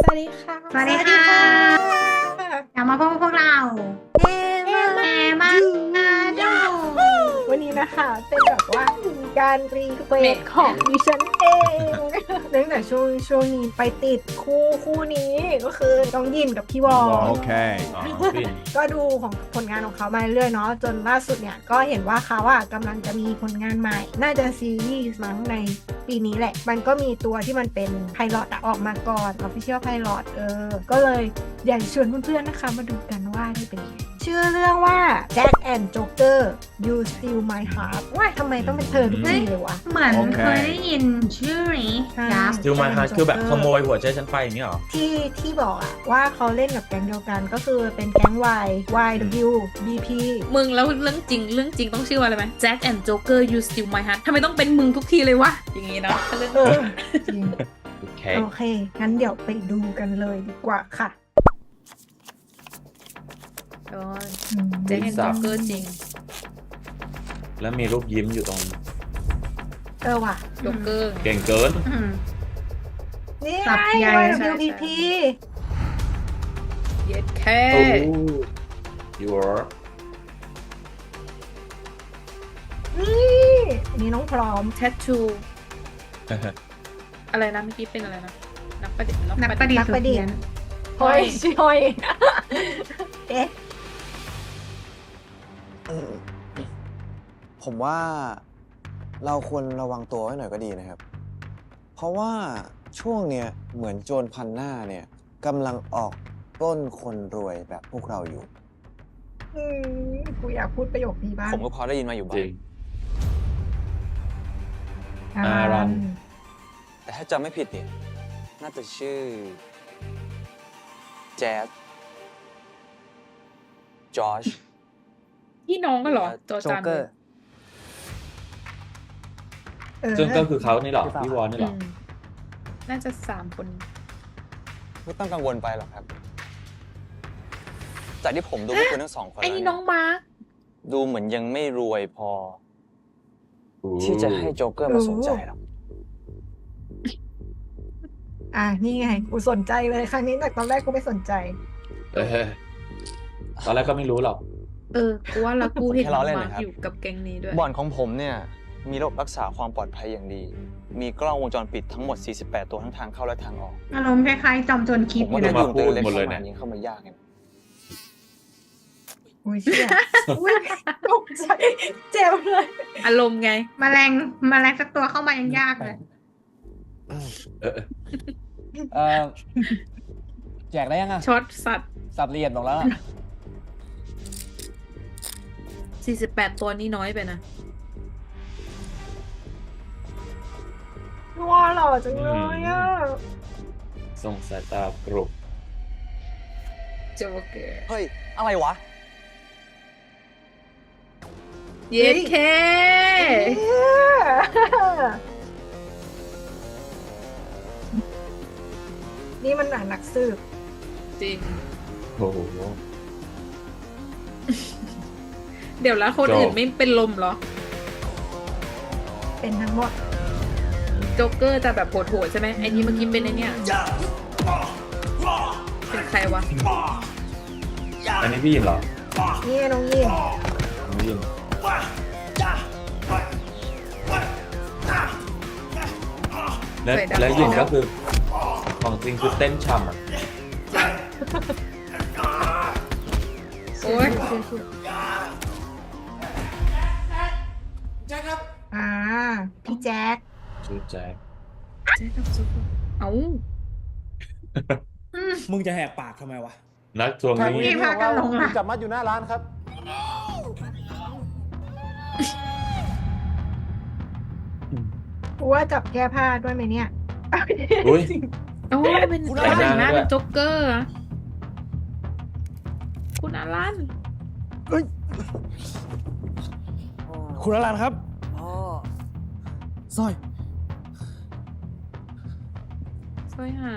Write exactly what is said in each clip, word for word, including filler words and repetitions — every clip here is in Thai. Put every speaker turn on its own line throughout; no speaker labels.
วัสดีค่ะ
สวัสดีค่ะกลับมาพบกับพวกเรา
เอ
เอ
มา
มาดู
วันนี้นะคะเป็นแบบว่าการรีเควสของดิฉันเองเนื่องจากช่วงช่วงนี้ไปติดคู่คู่นี้ก็คือน้องยินกับพี่วอ
โอเค
อ๋อฟิน
ก็ดูของผลงานของเขามาเรื่อยๆเนาะจนล่าสุดเนี่ยก็เห็นว่าเขาอะกำลังจะมีผลงานใหม่ น่าจะซีรีส์มั้งในปีนี้แหละ มันก็มีตัวที่มันเป็นไพลอตออกมาก่อน Official Pilot เออ ก็เลยอยากชวนเพื่อนๆนะคะมาดูกันว่าได้เป็นยังไงชื่อเรื่องว่า Jack and Joker You Steal My Heart ว่าทำไมต้องเป็นเธอทุกทีเลยวะ
เหมือน
โอเค
เคยได้ยินชื่อนี้
ใช่
ยับ
ดูมาฮาร์คือแบบขโมยหัวใจฉันไปอย่างนี้เหรอ
ที่ที่บอกอะว่าเขาเล่นกับแก๊งเดียวกันก็คือเป็นแก๊ง Y Y W B P
มึงแล้วเรื่องจริงเรื่องจริงต้องชื่อว่าอะไรไหม Jack and Joker You Steal My Heart ทำไมต้องเป็นมึงทุกทีเลยวะ อย่างงี้เนาะถ้าเรื่อง
เออจริง
โอเค
โอเค งั้นเดี๋ยวไปดูกันเลยดีกว่าค่ะ
โอ้ย
อืม
Jack and Joker จริง
แล้วมีรูปยิ้มอยู่ตรง
เออว่ะ
Joker
เก่งเกิน
อืม
นี่
สั
ไง
บใหญ่
Y
ใช่
W B P
เย็ดแค่
โอ้ยูร์
นี่อันนี้น้องพร้อม
แท t ทูอะไรนะเมื่อกี้เป็นอะไรนะ นักประดิษฐ์
นักประดิษ
นั
ฐ์
กประดิษฐ์
สุเพี้ยน
เฮ้ยชิฮอย เอ๊ะ
ผมว่าเราควรระวังตัวไว้หน่อยก็ดีนะครับ เพราะว่าช่วงเนี้ยเหมือนโจรพันหน้าเนี่ยกำลังออกปล้นคนรวยแบบพวกเราอยู่
อืมกูอยากพูดประโยคนี้บ้าง
ผมก็พอได้ยินมาอยู่บ้า
จริ
ง
ง
อ่า
อารัน
แต่ถ้าจำไม่ผิดเนี่ยน่าจะชื่อแจ๊สจอช
พี่น้องก็เหรอจอจาน
เกอร์
เออ
ซึ่งก็คือเขานี่เหรอ พี่วอนนี่เหรอ
อืมน่าจะสามคน
ไม่ต้องกังวลไปหรอกครับ จากที่ผมดูพวกคุณทั้งสองคน
ไอ้
แล้ว
นี่
เนี่
น้องมาร์ค
ดูเหมือนยังไม่รวยพอ ที่จะให้โจ๊กเกอร์มาสนใจหรอก
อ่ะนี่ไง กูสนใจเลยครั้งนี้แต่ตอนแรกกูไม่สนใจ
เออตอนแรกก็ไม่รู้หรอก
เออ กูว่าแล้วกูเห็น
แค่
น้
ล้
อ
อง เล่น
มาร์ค
นะครับ
อยู่กับแก๊งนี้ด้วย
บ่อนของผมเนี่ย มีระบบรักษาความปลอดภัยอย่างดี มีกล้องวงจรปิดทั้งหมด สี่สิบแปด ตัวทั้งทางเข้าและทางออก
อารมณ์คล้ายๆจอมโจรคิด
ผม
อยู่
ว่า
นะ
โดน
มาพูด
เล็ก
หมดเลย
เข้า
เนี่
มาย ยิงเข้ามายากไง
อุ้ยเชี่ยอุ้ยตกใจเจ็บเลย
อารมณ์ไง
แมลงแมลงสักตัวเข้ามายังยากเลย
เออเออ
เออแจกได้ยังอ่ะ
ช็อตสัตว์
สับละเอียดบอกแล้วอะ
สี่สิบแปดตัวนี่น้อยไปนะ
ว้าหล่อจังเลยอ่ะ
ส่งสายตากรุบ
โจเกอร์
เฮ้ย อะไรวะ
เย็ดแค่
นี่มันหนังนักสืบ
จริง
โอ้โห
เดี๋ยวแล้วคน
โจ
อื่นไม่เป็นลมเหรอ
เป็นทั้งหมด
โจ๊กเกอร์จะแบบโหดๆใช่ไหมไอ้นี่เมื่อกี้เป็นไอ้เนี่ยเป็นใครวะ
อันนี้พี่ยินเหรอ
นี่น้องยิน
น้องยินและ
สวยดำ
และยินก็คือ ของจริงคือเต้นฉ่ำอ่ะ
โอ้ย
อ่า พี่แจ๊ค
ชื่อแจ็ค
เจ๊กับซุปเปอร์เอ้า
มึงจะแหกปากทำไมวะ
นักทวงหนี้
พี่พากันลงละ
จับมัดอยู่หน้าร้านครับ
กูว่าจับแก้ผ้าด้วยไหมเนี่ย
อุ้ย
โอ้ยเป็น
คุณ
เป็น
อารัน
หน้า
ด้วย
เป็นโจ๊กเกอร์อะคุณอารัน
คุณอลันครับสร้อย
สร้อยหาย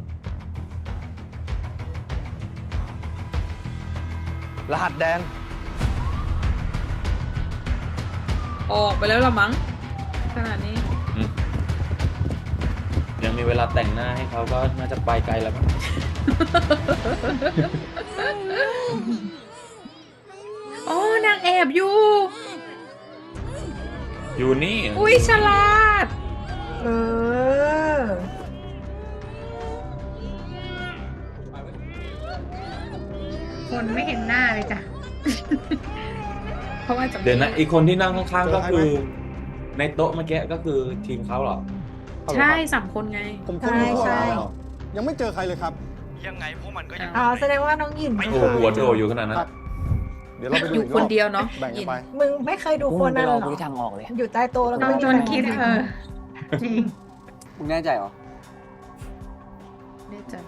รหัสแดง
ออกไปแล้วละมั้งขนาดนี้
ยังยังมีเวลาแต่งหน้าให้เขาก็น่าจะไปไกลแล้วมั้ง
โอ้นางแอบอยู่
อยู่นี่
อุ้ยฉลาด
เออ
คนไม่เห็นหน้าเลยจ้ะ
เพราะว่าจะ
เดี๋ยวนะอีกคนที่นั่งข้างๆก็คือ ในโต๊ะเมื่อกี้ก็คือทีมเขาเหรอ
ใช่สามคนไง
ผมคน
ใช่
นี้ก่อน
ใช่
แล้วยังไม่เจอใครเลยครับ
ยังไงพวกมันก็ยัง
อ๋อแสดงว่าน้องหยิน
โอ้โหหัวโดอยู่ขนาดนั้น
เดี๋ยวเราไปดู
อยู่
กรบ
คนเดียวเนอะ
แบ่งกันไป
มึงไม่เคยดูคนนั้นเหรอ
กูทางออกเลย
อยู่ใต้โต๊ะแล้วก็
ต้องจนคิดเออ จริง
มึงแน่ใจเหรอ
แน่ใจ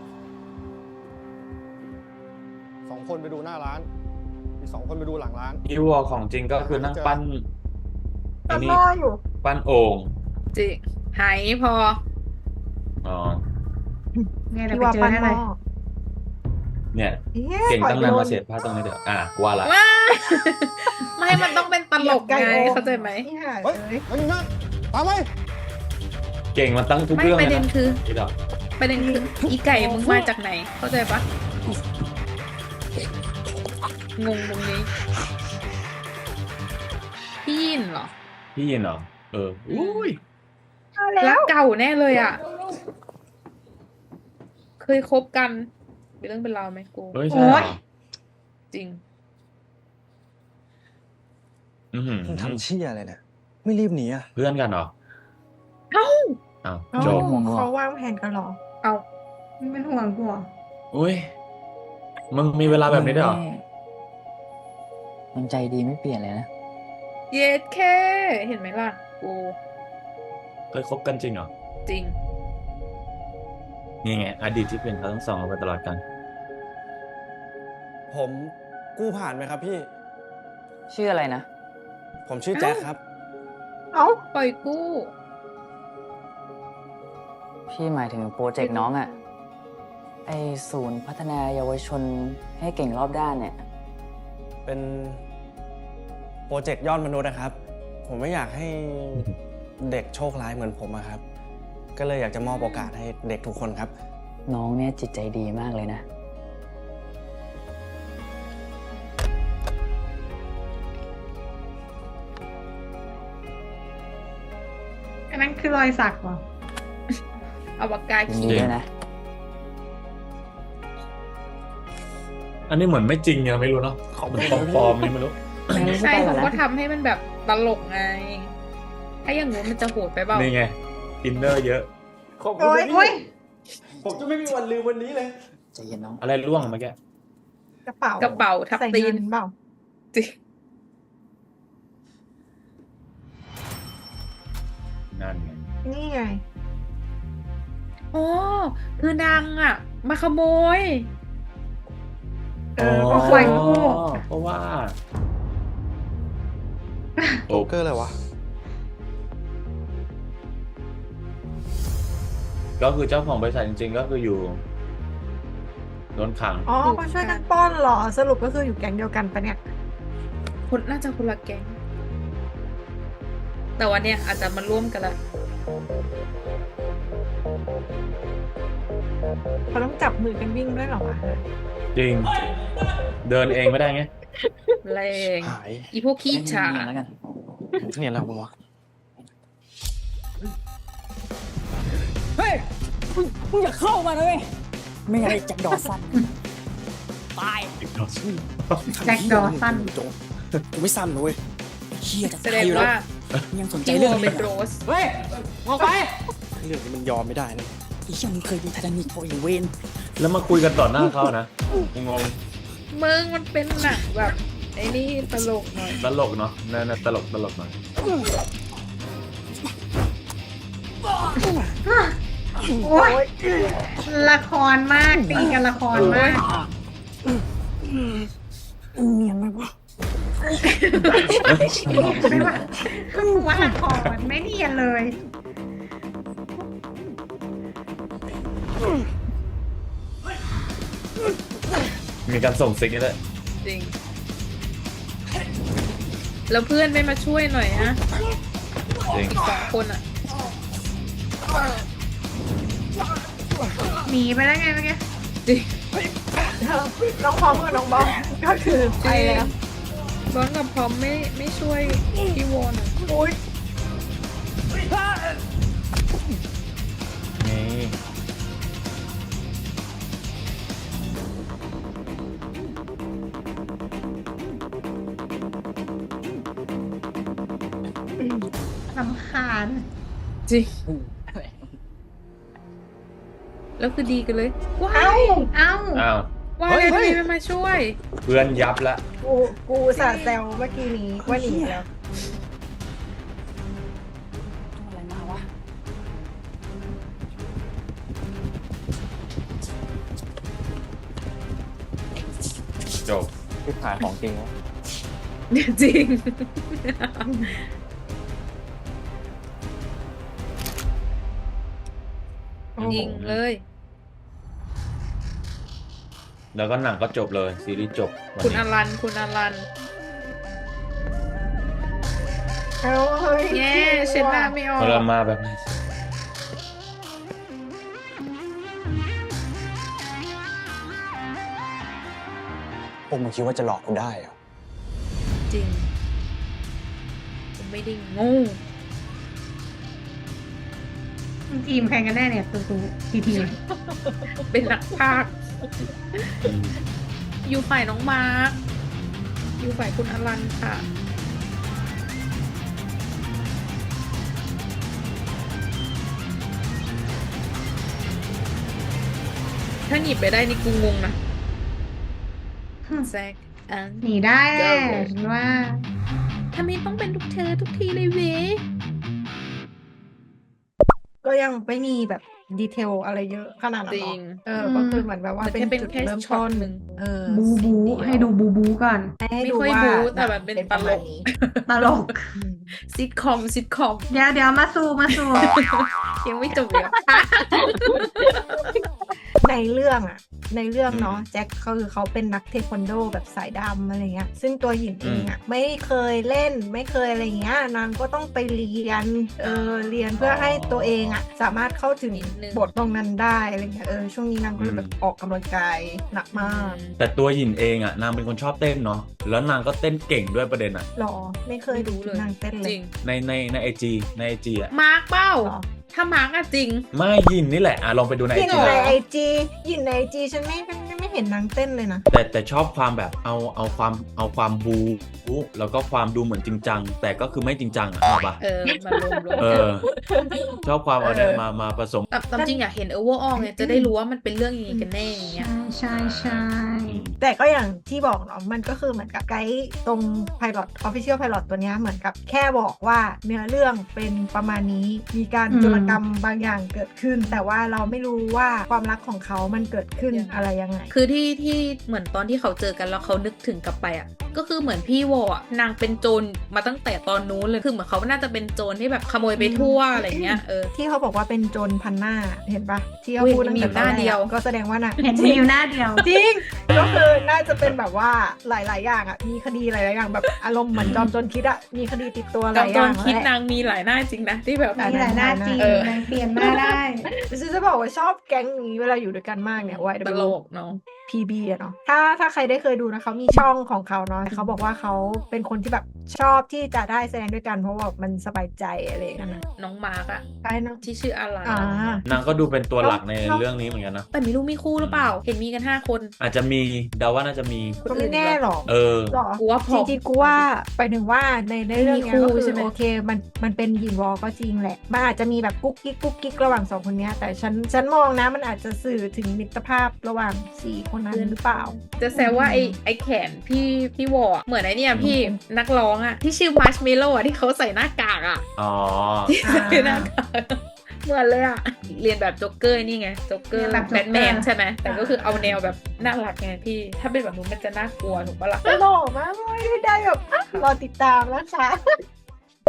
สองคนไปดูหน้าร้าน อีกสองคนไปดูหลังร้าน
อีวอของจริงก็คือนั่งปั้นไอ้
ตอน
นี่
รออยู่
ปั้นโอ่ง
จริงหายพอ
อ๋อ
เนี่ยเรา
พี่
ไป
ว่า
เจอ
ปั้น
ได้
ห
เล
ม้
ย
อ
เนี่ย
อ๊ะ
เก่งตั้งนาน
ปล่
มา
อย
เสียผ้าตรงนี้เดี๋ยวอ่ะกูว่าละ
ว้า ไม่มันต้องเป็นตลกไงเข้าใจไหม
นี่ค่ะ
เฮ้ย
เอ้ย
เฮ้ยนั่นตามไป
เก่งมาตั้งทุก
ไม่
เรื่อง
ป
เลย
ระเด็น
นะ
คือ
นี่ดอก
ประเด็นคืออีไก่มึงมาจากไหน เข้าใจปะงงตรงนี้พี่ยินเหรอ
พี่ยินเหรอเอออุ้ย
เอาแล้
รัก
ว
เก่าแน่เลยอ่ะ เคยคบกันเป็นเรื่องเป็นราวไหมกู
เฮ้ยใช่เหรอ
จริง
อื้อหือ
มึงทำเชี่ยอะไรเนี่ย ไม่รีบหนีอ่ะ
เพื่อนกันเหรอ
เอ้า
อ้าว
เอ้า
จบ
เขาวางแผนกันเหรอ
เอา
มึงเป็นห่วงกูเหรอ
อุ้ยมึงมีเวลาแบบนี้ด้วยเหรอ
มันใจดีไม่เปลี่ยนเลยนะ
เย็ดแค่เห็นไหมล่ะ กู
เคยคบกันจริงเหรอ
จริง
นี่ไงอดีตที่เป็นเขาทั้งสองมาตลอดกัน
ผมกู้ผ่านไหมครับพี่
ชื่ออะไรนะ
ผมชื่อแจ็คครับ
เอ้า
ปล่อยกู้
พี่หมายถึงโปรเจกต์น้องอะไอศูนย์พัฒนาเยาวชนให้เก่งรอบด้านเนี่ย
เป็นโปรเจกต์ยอดมนุษย์นะครับ ผมไม่อยากให้เด็กโชคร้ายเหมือนผมอะครับ ก็เลยอยากจะมอบโอกาสให้เด็กทุกคนครับ
น้องเนี่ยจิตใจดีมากเลยนะ
อันนั้นคือรอยสักเหรอ
เอาปากกา
ยิน
ขี
ดี
ด
ด้วยนะ
อันนี้เหมือนไม่จริงยังไม่รู้เนาะมันปลอมๆนี่ไม่รู้
ไม่ใช่
ไปก่
ผ
อน
ม
นะ
ก็ทำให้มันแบบตลกไง ถ้าอย่างงู้นมันจะโหดไปเปล่า
นี่ไงอินเนอร์เยอะ
ขอบคุณ
โอ้ย
นะ
โอ้
พี่
ย
ผมจะไม่มีวันลืมวันนี้เลย
ใจเย็นน้อง
อะไรร่วงเมื่อกี้
กระเป๋าก
ระเป๋าทับ
ใส่
ตี
เงิ
น
นเปล่า
จริง
นั่นไง
นี่ไง
อ๋อคือนางอ่ะ มาขโมย
เออก็ปล่อยกู้
เพราะว่า
โจ๊กเกอร์อะไรวะ
ก็คือเจ้าของบริษัทจริงๆ ก็คืออยู่โดนขัง
อ๋อเขาช่วยกันป้อนเหรอ สรุปก็คืออยู่แก๊งเดียวกันปะเนี่ย
คนน่าจะคนละแก๊ง แต่วันเนี้ยอาจจะมาร่วมกันละ
เขาต้องจับมือกันวิ่งด้วยเหรอวะ
จริง เดินเองไม่ได้ไง
แรง
หาย
อีพวกขี้ฉา
เนียนแล้วกัน
เนี่ยแล้วมึงวะ
เฮ้ยมึงมึงอย่าเข้ามาเลยไม่งั้นไอ้แจ็คดอสันตาย
แจ็คดอสัน
กูไม่ซ้ำนะเว้ย
เฮียจะ
แส
ตา
ด
ย
ง
อยู่แล้ว
ว่า
มึงยังสนใจ
พี่
เรื่
ว
อง
อ
นี้
เป็น
เหร
โร
อ
ส
เฮ้ยออกไป
เรื่องนี้มันยอมไม่ได้นะ
ไอ้เหี้ยมึงเคยดูไททานิคโปรอีเวน
แล้วมาคุยกันต่อหน้าเขานะงง
มึงมันเป็นหนังแบบ ไอ้นี่ตลกหน่อย
ตลกเนาะนั่นๆตลกตลกหน่อย
โอ๊ยละครมากตีกันละครมาก
เนียนไหมวะ
ไม่ว่าคือว่าละครไม่เนียนเลย
มีการส่งซิกนี่แหละ
จริง แล้วเพื่อนไม่มาช่วยหน่อยฮะ
จริง
อีกสองคนอ่ะ
หนีไปแล้วไงเมื่อกี้
น้องพร้อมกับน้องบอลก็คือไปแล้ว
บอลกับพร้อมไม่ไม่ช่วยพี่วอนอะ
อุ้ย
นี่
ลำคาญ
จริงแล้วคือดีกันเลยว้า
เอ้า
ย
เอ้า
อ้าว
ว้าย
เฮ้ย
ทำไมไม่มาช่วย
เพื่อนยับละ
กูกูสาแซวเมื่อกี้นี้ว่าหนีแล้ว
อะไรมาวะ
จบ
ที่ผ่านของจริงวะ
จริง ยิงเลย
แล้วก็หนังก็จบเลยซีรีส์จบวัน
คุณ
นี้
อลัน คุณอลัน
เอ้าเฮ้ย
แย่เช็ดหน้าไม่ออก
พอเรามาแบบนี้
พวกมึงคิดว่าจะหลอกกูได้เหรอ
จริงผมไม่ได้โงู
ทีมใครกันแน่เนี่ยตูตูทีที
เป็นนักพากย์อยู่ฝ่ายน้องมาร์คอยู่ฝ่ายคุณอลันค่ะ ถ้าหยิบไปได้นี่กูงงนะแซกอัน
หนีได้แหละฉันว่า
ทำไมต้องเป็นทุกเธอทุกทีเลยเว้ย
ก็ยังไม่มีแบบดีเทลอะไรเยอะขนาดนั้น
จ
หร
ริ
อก
ง
เออ ก็คือเหมือนแบบว่า
มัน
เป็น
แค่เป็น
จุด
แค่
เริ่ม
ช็อ
ต้
ต
น
หนึ่ง
เออ
บูบู
สิ่งเยว
ให้ดูบูบูก่อน
ให้
ไม่
ดู
ค่อย
ว่า
บู๊แต่แบบเป็น
ประมาณ
ตลก
นี้
ตลก
ซิทคอมซิทคอม
เดี๋ยวเดี๋ยวมาสู่มาสู่
ยังไม่จบเลย
ในเรื่องอะในเรื่องเนาะแจ็คเขาคือเขาเป็นนักเทควันโดแบบสายดำอะไรเงี้ยซึ่งตัวหญิงเองอะไม่เคยเล่นไม่เคยอะไรเงี้ยนางก็ต้องไปเรียนเออเรียนเพื่อให้ตัวเองอะสามารถเข้าถึง
นิดนึง
บทตรงนั้นได้อะไรเงี้ยเออช่วงนี้นางก็เลยแบบออกกำลังกายหนักมาก
แต่ตัวหยินเองอ่ะนางเป็นคนชอบเต้นเนาะแล้วนางก็เต้นเก่งด้วยประเด็นอ่ะ
หรอไม่เคยดู
ไม่รู้เลย
นางเต้นเล
จ
ย
ริง
ในในในไอจีในไอจีอ่ะ
มาร์คเป้า
หรอ
ถ้ามาร์คอะจริง
ไม่หยินนี่แหละอ่ะลองไปดูในไอ
ยิน
จี
ในไอจียินในไอจีฉันไม่ไม่ไม่เห็นนางเต้นเลยนะ
แต่แต่ชอบความแบบเอาเอาความเอาความบูแล้วก็ความดูเหมือนจริงจังแต่ก็คือไม่จริงจังอ่ะเอาปะ
เออ มารวมรวม
เออ ชอบความเอาเนี่ยมามาผสม
แต่ตามจริงอยากเห็นเออร์วอลไงจะได้รู้ว่ามันเป็นเรื่องยังไงกันแน่อย่างเงี้ย
ใช่ใช่
แต่ก็อย่างที่บอกเนาะมันก็คือเหมือนกับไกด์ตรง Pilot Official Pilot ตัวเนี้ยเหมือนกับแค่บอกว่าเนื้อเรื่องเป็นประมาณนี้มีการโจรกรรมบางอย่างเกิดขึ้น แต่ว่าเราไม่รู้ว่าความรักของเขามันเกิดขึ้น
ยังไง
อะไรยังไง
คือที่ที่เหมือนตอนที่เขาเจอกันแล้วเขานึกถึงกลับไปอ่ะก็คือเหมือนพี่วออ่ะนางเป็นโจรมาตั้งแต่ตอนนู้นเลยคือเหมือนเขาน่าจะเป็นโจรที่แบบขโมยไปทั่วอะไรเงี้ยเออ
ที่เขาบอกว่าเป็นโจรพันหน้าเห็นปะที่เขา
อุ๊ย
พูดตั้งแต่
มีหน้า
ตอแรก
เดียว
ก็แสดงว่าน่ะ
เห็นมีอยู่หน้าเดียว
จริง ก็คือน่าจะเป็นแบบว่าหลาย ๆ อย่างอ่ะมีคดีหลาย ๆ อย่างแบบอารมณ์เหมือนจอมโจรคิดอ่ะมีคดีติดตัวห
จอ
ลาม ยอ
โจ
ย่าร ง
คิด
แหละ
นางมีหลายหน้าจริงนะที่แบบ
มีหลายหน้าจริง
เออ
นางเปลี่ยนหน้าได้
ฉันจะบอกว่าชอบแก๊งนี้เวลาอยู่ด้วยกันมากเนี่ย วาย
ตลกเนาะ
พี บี อะเนาะถ้าถ้าใครได้เคยดูนะเขามีช่องของเขาเนาะเขาบอกว่าเขาเป็นคนที่แบบชอบที่จะได้แสดงด้วยกันเพราะว่ามันสบายใจอะไรอย่างเงี้ยนะ
น้องมาร์กอะ
ใช่เนาะ
ที่ชื่ออะไร
อ่า
นางก็ดูเป็นตัวหลักในเรื่องนี้เหมือนกันนะ
แต่มีลูกมีคู่หรือเปล่า เห็นมีกันห้าคน
อาจจะมีเดาว่าน่าจะมี
ก็ไม่แน่หรอก
เออ
หรอ
กูว่าพ
จ
อ
ริงๆกูว่าไปถึงว่าในในเรื่องเนี้ย
มีคู่
ก็คือ
ใช่ไหม
โอเคมันมันเป็นหยินวอลก็จริงแหละมันอาจจะมีแบบกุ๊กกิ๊กกุ๊กกิ๊กระหว่างสองคนเนี้ยแต่ฉันฉันมองนะมันอาจจะสื่อถึงมิตรภาพระหว่างสี่คนนั้นหรือเปล่า
จะแซวว่าไอไอแขนพี่พี่วอร์อะเหมือนไอเนี่ยพี่นักร้องอะที่ชื่อมาร์ชเมลโล่อะที่เขาใส่หน้ากากอะ
อ๋อ
ที่ใส่หน้ากากเหมือนเลยอะเรียนแบบโจ๊กเกอร์นี่ไงโจ๊กเกอร์
เรียนแบบ
แบทแมน
Joker
ใช่ไหมแต่ก็คือเอาแนวแบบน่ารักไงพี่ ถ้าเป็นแบบนู้นมันจะน่ากลัวถูกปะล่ะ
ตลกมากเลยได้แบบอ่ะรอติดตามนะคะอ่ะ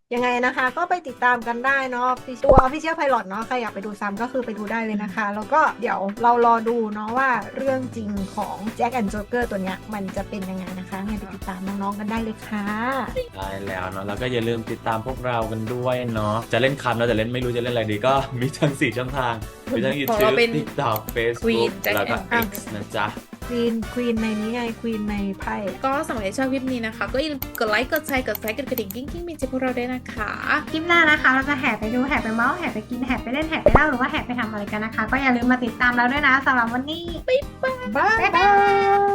ยังไงนะคะก็ไปติดตามกันได้เนาะตัว Official Pilot เนาะใครอยากไปดูซ้ำก็คือไปดูได้เลยนะคะ แล้วก็เดี๋ยวเรารอดูเนาะว่าเรื่องจริงของ Jack and Joker ตัวเนี้ยมันจะเป็นยังไงนะคะงั้นไปติดตามน้องๆกันได้เลยค่ะ
ได้แล้วเนาะแล้วก็อย่าลืมติดตามพวกเรากันด้วยเนาะจะเล่นคำแล้วแต่เล่นไม่รู้จะเล่นอะไรดีก็มีทั้งสี่ช่องทางมีทั้ง
ของเรา
YouTube
เป็น
TikTok
Queen
Facebook
Jack
แล้วก็
and
X นะจ๊ะ
ควีนควีนในนี้ไงควีนในไพ่
ก็สำหรับใครชอบคลิปนี้นะคะ ก็อย่าลืมกดไลค์กดแชร์กดแชร์กดกระดิ่งกิ้งกิ้งมีเจพวกเราด้วยนะคะ
คลิปหน้านะคะ เราจะแห่ไปดูแห่ไปเมาส์แห่ไปกินแห่ไปเล่นแห่ไปเล่าหรือว่าแห่ไปทำอะไรกันนะคะ ก็อย่าลืมมาติดตามเราด้วยนะสำหรับวันนี้
บ๊ายบาย